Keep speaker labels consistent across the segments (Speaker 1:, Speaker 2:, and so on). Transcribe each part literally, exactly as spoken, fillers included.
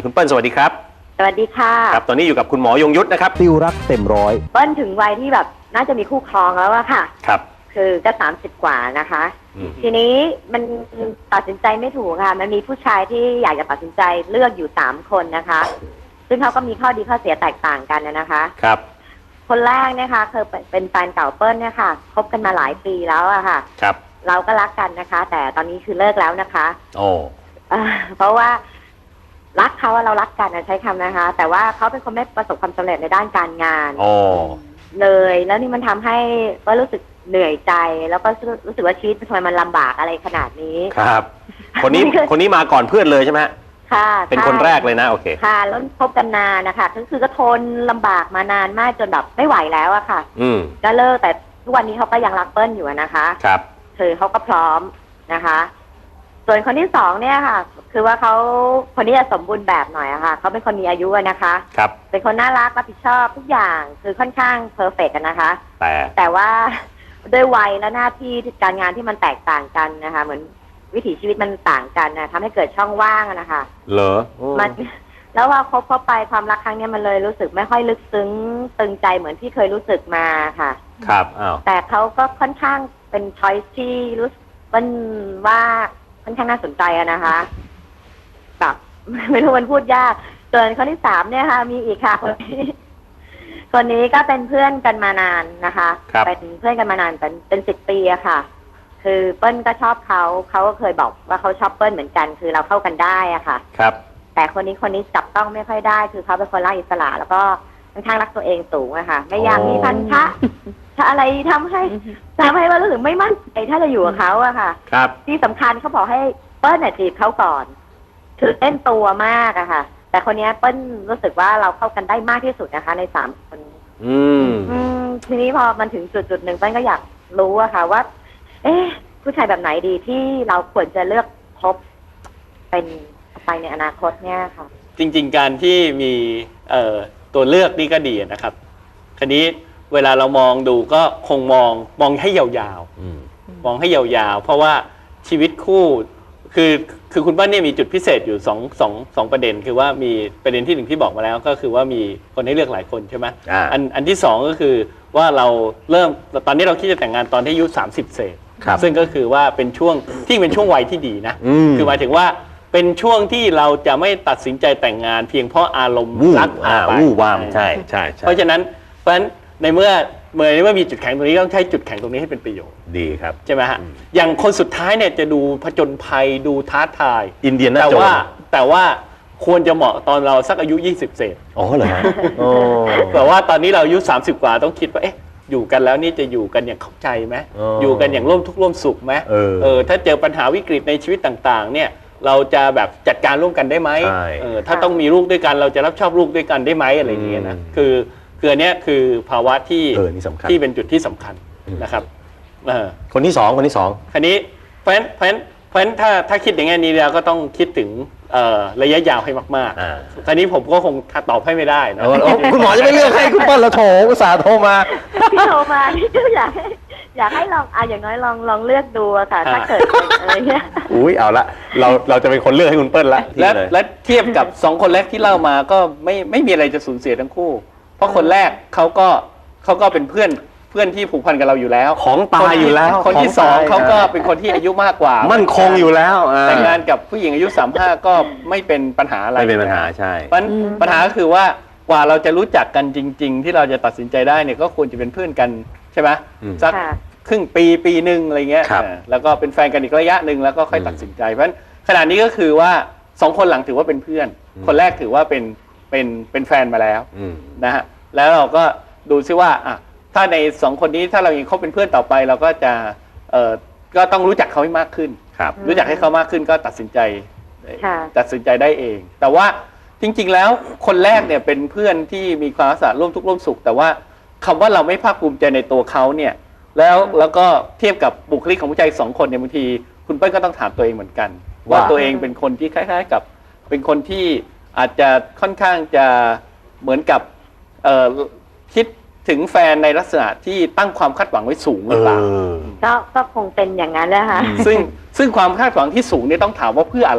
Speaker 1: คุณเปิ้ลสวัสดีครับ
Speaker 2: สวัสดีค่ะ
Speaker 1: ครับตอนนี้อยู่กับคุณหมอยงยุทธนะครับ
Speaker 3: ติวรักเต็มร้อย
Speaker 2: เปิ้ลถึงวัยที่แบบน่าจะมีคู่ครองแล้วอะค่ะ
Speaker 1: ครับ
Speaker 2: คือก็สามสิบกว่านะคะทีนี้มันตัดสินใจไม่ถูกค่ะมันมีผู้ชายที่อยากจะตัดสินใจเลือกอยู่สามคนนะคะซึ่งเขาก็มีข้อดีข้อเสียแตกต่างกันนะคะ
Speaker 1: ครับ
Speaker 2: คนแรกเนี่ยค่ะคือเป็นแฟนเก่าเปิ้ลเนี่ยค่ะคบกันมาหลายปีแล้วอะค่ะ
Speaker 1: ครับ
Speaker 2: เราก็รักกันนะคะแต่ตอนนี้คือเลิกแล้วนะคะ
Speaker 1: โอ้
Speaker 2: เพราะว่ารักเขาเรารักกันนะใช้คำนะคะแต่ว่าเขาเป็นคนไม่ประสบความสำเร็จในด้านการงานเลยแล้วนี่มันทำให้ก็รู้สึกเหนื่อยใจแล้วก็รู้สึกว่าชีวิตทำไมมันลำบากอะไรขนาดนี้
Speaker 1: ครับคนนี้คนนี้มาก่อนเพื่อนเลยใช่ไหม
Speaker 2: ค่ะ
Speaker 1: เป็นคนแรกเลยนะโอเค
Speaker 2: ค่ะแล้วคบกันนานนะคะก็คือก็ทนลำบากมานานมากจนแบบไม่ไหวแล้วอะค่ะ
Speaker 1: อืม
Speaker 2: ก็เลิกแต่ทุกวันนี้เขาก็ยังรักเปิ้ลอยู่นะคะ
Speaker 1: ครับ
Speaker 2: คือเขาก็พร้อมนะคะส่วนคนที่สองเนี่ยค่ะคือว่าเขาคนนี้จะสมบูรณ์แบบหน่อยอะค่ะเขาเป็นคนมีอายุนะคะ
Speaker 1: ครับ
Speaker 2: เป็นคนน่ารักรับผิดชอบทุกอย่างคือค่อนข้างเพอร์เฟกต์กันนะคะ
Speaker 1: แต่
Speaker 2: แต่ว่าด้วยวัยและหน้าที่การงานที่มันแตกต่างกันนะคะเหมือนวิถีชีวิตมันต่างกันนะทำให้เกิดช่องว่างนะคะ
Speaker 1: เหรอ
Speaker 2: มันแล้วว่าคบเข้าไปความรักครั้งนี้มันเลยรู้สึกไม่ค่อยลึกซึ้งตึงใจเหมือนที่เคยรู้สึกมาค่ะ
Speaker 1: ครับอ้าว
Speaker 2: แต่เขาก็ค่อนข้างเป็นช้อยส์ที่รู้สึกว่าค่อนข้างน่าสนใจอะนะคะแบบไม่รู้มันพูดยากส่วนคนที่สามเนี่ยค่ะมีอีกค่ะคนนี้คนนี้ก็เป็นเพื่อนกันมานานนะคะเป็นเพื่อนกันมานานเป็นเป็นสิบปีอะค่ะคือเปิ้ลก็ชอบเขาเขาก็เคยบอกว่าเขาชอบเปิ้ลเหมือนกันคือเราเข้ากันได้อะค่ะ
Speaker 1: ครับ
Speaker 2: แต่คนนี้คนนี้จับต้องไม่ค่อยได้คือเขาเป็นคนรักอิสระแล้วก็ค่อนข้างรักตัวเองสูงอะค่ะไม่อยากมีพันธะถ้าอะไรทำให้ทำให้ว่ารู้สึกไม่มั่นใจถ้าจะอยู่กับเขาอะค่ะ
Speaker 1: ครับ
Speaker 2: ที่สำคัญเขาบอกให้เปิ้ลเนี่ยจีบเขาก่อนคือเล่นตัวมากอะค่ะแต่คนนี้เปิ้ลรู้สึกว่าเราเข้ากันได้มากที่สุดนะคะในสามคน
Speaker 1: อืม
Speaker 2: อืมทีนี้พอมันถึงจุดจุดหนึ่งเปิ้ลก็อยากรู้อะค่ะว่าเอ๊ะผู้ชายแบบไหนดีที่เราควรจะเลือกคบเป็นไปในอนาคตเนี่ยค่ะ
Speaker 4: จริงๆการที่มีเอ่อตัวเลือกนี่ก็ดีนะครับคราวนี้เวลาเรามองดูก็คงมองมองให้ยาวๆมองให้ยาวๆเพราะว่าชีวิตคู่คือคือคุณเปิ้ลเนี่ยมีจุดพิเศษอยู่สองสองสองประเด็นคือว่ามีประเด็นที่หนึ่งที่บอกมาแล้วก็คือว่ามีคนให้เลือกหลายคนใช่ไหมอันอันที่สองก็คือว่าเราเริ่มตอนนี้เราคิดจะแต่งงานตอนที่อายุสามสิบเศษซึ่งก็คือว่าเป็นช่วงที่เป็นช่วงวัยที่ดีนะคือหมายถึงว่าเป็นช่วงที่เราจะไม่ตัดสินใจแต่งงานเพียงเพราะอารมณ์รักพาไป
Speaker 1: วู่วามใช่ใช่
Speaker 4: เพราะฉะนั้นเพราะฉะนั้นในเมื่อเมื่อเมื่อมีจุดแข็งตรงนี้ต้องใช้จุดแข็งตรงนี้ให้เป็นประโยชน์
Speaker 1: ดีครับ
Speaker 4: ใช่ไหมฮะอย่างคนสุดท้ายเนี่ยจะดูผจญภัยดูท้าทาย
Speaker 1: อินเดียนา
Speaker 4: โจนส์แต่ว่าแต่ว่าควรจะเหมาะตอนเราสักอายุยี่สิบเศษ
Speaker 1: อ๋อเหรอฮะ
Speaker 4: แต่ว่าตอนนี้เราอายุสามสิบกว่าต้องคิดว่าเอ๊ะอยู่กันแล้วนี่จะอยู่กันอย่างเข้าใจไหมอยู่กันอย่างร่วมทุกข์ร่วมสุขไหมเออถ้าเจอปัญหาวิกฤตในชีวิตต่างๆเนี่ยเราจะแบบจัดการร่วมกันได้ไหมเออถ้าต้องมีลูกด้วยกันเราจะรับชอบลูกด้วยกันได้ไหมอะไรอย่างเงี้ยนะคือคืออันนี้คือภาวะที่ที่เป็นจุดที่สำคัญนะครับ
Speaker 1: คนที่สองคนที่สอง
Speaker 4: คราวนี้เพราะฉะนั้นเพราะฉะนั้นเพราะฉะนั้นถ้าถ้าคิดอย่างนี้เราก็ต้องคิดถึงระยะยาวให้มากๆคราวนี้ผมก็คงตอบให้ไม่ได้นะ
Speaker 1: คุณหมอจะไม่เลือกให้คุณเปิ้ลแล้วโถอุตส่าห์โทรมา
Speaker 2: พี่โทรมาพี่อยากอยากให้ลองอ่ะอย่างน้อยลองลองเลือกดูค่ะถ้าเกิดอะไรเงี้ย
Speaker 1: อุ้ยเอาละเราเราจะเป็นคนเลือกให้คุณเปิ้ลละ
Speaker 4: และและเทียบกับสองคนแรกที่เล่ามาก็ไม่ไม่มีอะไรจะสูญเสียทั้งคู่เพราะคนแรกเขาก็เขาก็เป็นเพื่อนเพื่อนที่ผูกพันกับเราอยู่แล้ว
Speaker 1: ของตายอยู่แล้ว
Speaker 4: คนที่สองเขาก็เป็นคนที่อายุมากกว่า
Speaker 1: มั่นคงอยู่แล้ว
Speaker 4: แต่งงานกับผู้หญิงอายุสามห้าก็ไม่เป็นปัญหาอะไร
Speaker 1: ไม่เป็นปัญหาใช่
Speaker 4: ปัญปัญหาก็คือว่ากว่าเราจะรู้จักกันจริงๆที่เราจะตัดสินใจได้เนี่ยก็ควรจะเป็นเพื่อนกันใช่ไหมสักครึ่งปีปีหนึ่งอะไรเงี้ยแล้วก็เป็นแฟนกันอีกระยะหนึ่งแล้วก็ค่อยตัดสินใจเพราะฉะนั้นขณะนี้ก็คือว่าสองคนหลังถือว่าเป็นเพื่อนคนแรกถือว่าเป็นเป็นเป็นแฟนมาแล้วนะฮะแล้วเราก็ดูซิว่าอ่ะถ้าในสองคนนี้ถ้าเรายังคบเป็นเพื่อนต่อไปเราก็จะเอ่อก็ต้องรู้จักเขาให้มากขึ้นรู้จักให้เขามากขึ้นก็ตัดสินใจตัดสินใจได้เองแต่ว่าจริงๆแล้วคนแรกเนี่ยเป็นเพื่อนที่มีความรักร่วมทุกข์ร่วมสุขแต่ว่าคำว่าเราไม่ภาคภูมิใจในตัวเขาเนี่ยแล้วแล้วก็เทียบกับบุคลิกของผู้ชายสองคนเนี่ยบางทีคุณเปิ้ลก็ต้องถามตัวเองเหมือนกันว่าตัวเองเป็นคนที่คล้ายๆกับเป็นคนที่อาจจะค่อนข้างจะเหมือนกับคิดถึงแฟนในลักษณะที่ตั้งความคาดหวังไว้สูงหรือเปล่า
Speaker 2: ก็ก็คงเป็นอย่างนั้นแหละค่ะ
Speaker 4: ซึ่งซึ่งความคาดหวังที่สูงเนี่ยต้องถามว่าเพื่ออะไร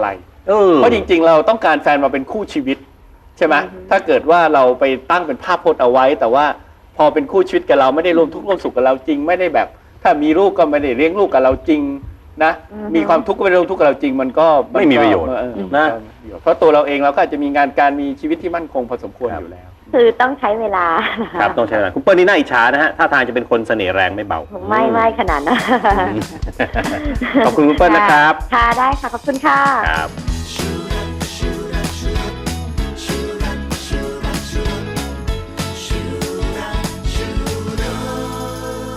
Speaker 1: เออ
Speaker 4: เพราะจริงๆ เราต้องการแฟนมาเป็นคู่ชีวิตใช่ไหม
Speaker 2: อือฮึ
Speaker 4: ถ้าเกิดว่าเราไปตั้งเป็นภาพพจน์เอาไว้ แต่ว่าพอเป็นคู่ชีวิตกับเราไม่ได้ร่วมทุกข์ร่วมสุขกับเราจริงไม่ได้แบบ ถ้ามีลูกก็ไม่ได้เลี้ยงลูกกับเราจริงนะมีความทุกข์ก็ไม่ได้ร่วมทุกข์กับเราจริงมันก็
Speaker 1: ไม่มีประโยชน์
Speaker 4: เออ
Speaker 1: นะ
Speaker 4: เพราะตัวเราเองเราก็อาจจะมีงานการมีชีวิตที่มั่นคงพอสมควรอยู่แล้ว
Speaker 2: คือต้องใช้เวลา
Speaker 1: ครับต้องใช้เวลาคุณเปิ้ลนี่น่าอิจฉานะฮะท่าทางจะเป็นคนเสน่ห์แรงไม่เบา
Speaker 2: ไม่ไม่ขนาดนั้น
Speaker 1: ขอบคุณคุณเปิ้ลนะครับ
Speaker 2: ค่ะได้ค่ะขอบคุณค่ะ
Speaker 1: ครับ